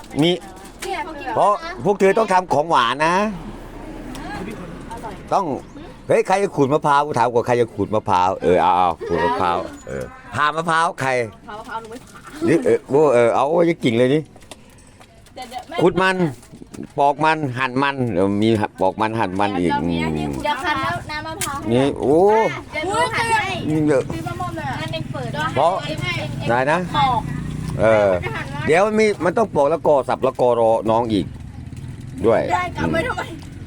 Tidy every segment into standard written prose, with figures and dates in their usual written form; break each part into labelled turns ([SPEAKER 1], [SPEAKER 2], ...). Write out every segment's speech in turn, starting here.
[SPEAKER 1] มีเพราะพวกเธอต้องทำของหวานนะ ต้องเฮ้ยใครจะขูดมะพร้าวกูถามก่อนใครจะขูดมะพร้าวเอาขูดมะพร้าวผ่ามะพร้าวใคร
[SPEAKER 2] มะพร้าวหนูไม่ผ่า
[SPEAKER 1] นี่เอาจะกิ่งเลยนี่ขูดมันปอกมันหั่นมันมีปอกมันหั่นมันอีก
[SPEAKER 2] เดี๋ยวคันแล้วน้ำมะพร้าว
[SPEAKER 1] นี่โอ้
[SPEAKER 2] เดี๋ยวดูหั่นให้
[SPEAKER 1] นี่เยอะ
[SPEAKER 2] นั่นเองเปิด
[SPEAKER 1] เพราะได้นะเดี๋ยวมันต้องปอกแล้วกอสับแล้วกอรอน้องอีกด้วย
[SPEAKER 2] ได้กลับไปทำไม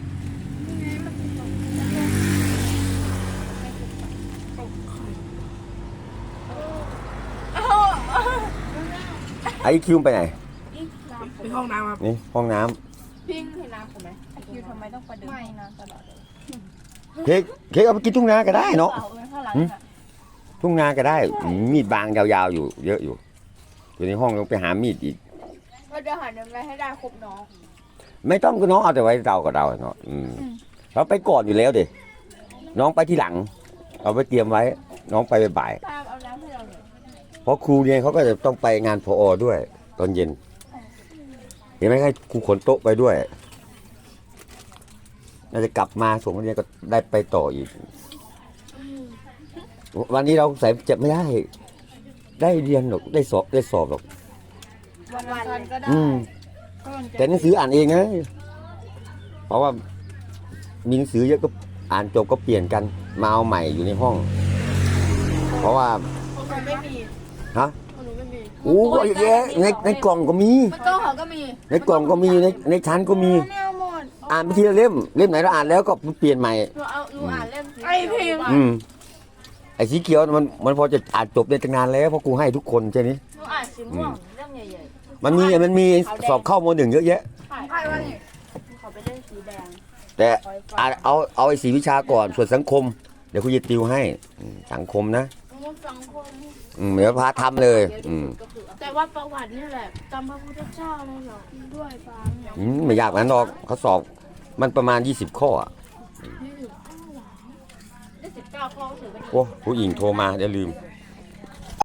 [SPEAKER 1] ไอคิวไปไหน
[SPEAKER 3] ไปห้องน้ำครับ
[SPEAKER 1] นี่ห้องน้
[SPEAKER 2] ำพิงเห็นน้ำผมไหมไอคิวทำไมต้องประเดิมห้องน้ำตลอดเลย
[SPEAKER 1] เค้กเอาไปกินทุ่งนาก็ได้เนาะทุ่งนาก็ได้มีดบางยาวๆอยู่เยอะอยู่อยู่ในห้องต้องไปหามีดอีก
[SPEAKER 2] เราจะหายังไงให้ได้ครบน้อง
[SPEAKER 1] ไม่ต้องก็น้องเอาแต่ไว้เตากับเราเนาะเราไปก่อนอยู่แล้วเด็น้องไปที่หลังเอาไปเตรียมไว้น้องไปบ่าย
[SPEAKER 2] เอาน้ำให้เราเลย
[SPEAKER 1] เพราะครูเนี่ยเขาก็จะต้องไปงานพอด้วยตอนเย็นเห็นไหมให้ครูขนโต๊ะไปด้วยน่าจะกลับมาส่งนักเรียนก็ได้ไปต่ออีกวันนี้เราใส่เจ็บไม่ได้เรียนหรอกได้สอบหรอก
[SPEAKER 2] วันก็ได้
[SPEAKER 1] แต่หนังสืออ่านเองนะเพราะว่ามีหนังสือเยอะก็อ่านจบก็เปลี่ยนกันมาเอาใหม่อยู่ในห้องเพราะว่า
[SPEAKER 2] คนไม่มี
[SPEAKER 1] ฮะโอ้ก็เยอะในกล่องก็มี
[SPEAKER 2] ในกล่องก็มี
[SPEAKER 1] ในกล่องก็มีในชั้นก็มีอ่านไปทีละเล่มไหนเราอ่านแล้วก็เปลี่ยนใหม่
[SPEAKER 2] หนูอ่านเล่มไอพิม
[SPEAKER 1] ไอ้สีเขียวมันพอจะอ่านจบได้ตั้งนานแล้วเพราะกูให้ทุกคนใช่ไหม
[SPEAKER 2] หนูอ่านสีม่วงเรื่องใหญ่
[SPEAKER 1] ๆมันมีสอบเข้าม.1เยอะแยะ
[SPEAKER 2] ใช่ว่านี่ขอไปเล่นสีแดง
[SPEAKER 1] แต่เอาไอ้สีวิชาก่อนส่วนสังคมเดี๋ยวคุณจะติวให้สังคมนะ
[SPEAKER 2] สังคม
[SPEAKER 1] เดี๋ยวพาทำเลย
[SPEAKER 2] แต่ว่าประวัตินี่แหละจำพระพุทธเจ้าเลยเหรอด้วยฟัง
[SPEAKER 1] ไม่ยากนั้นหรอกเขาสอบมันประมาณ20 ข้อ
[SPEAKER 2] ได้19 ข้อถือเป็น
[SPEAKER 1] โอ้ผู้หญิงโทรมาเดี๋ยวลืม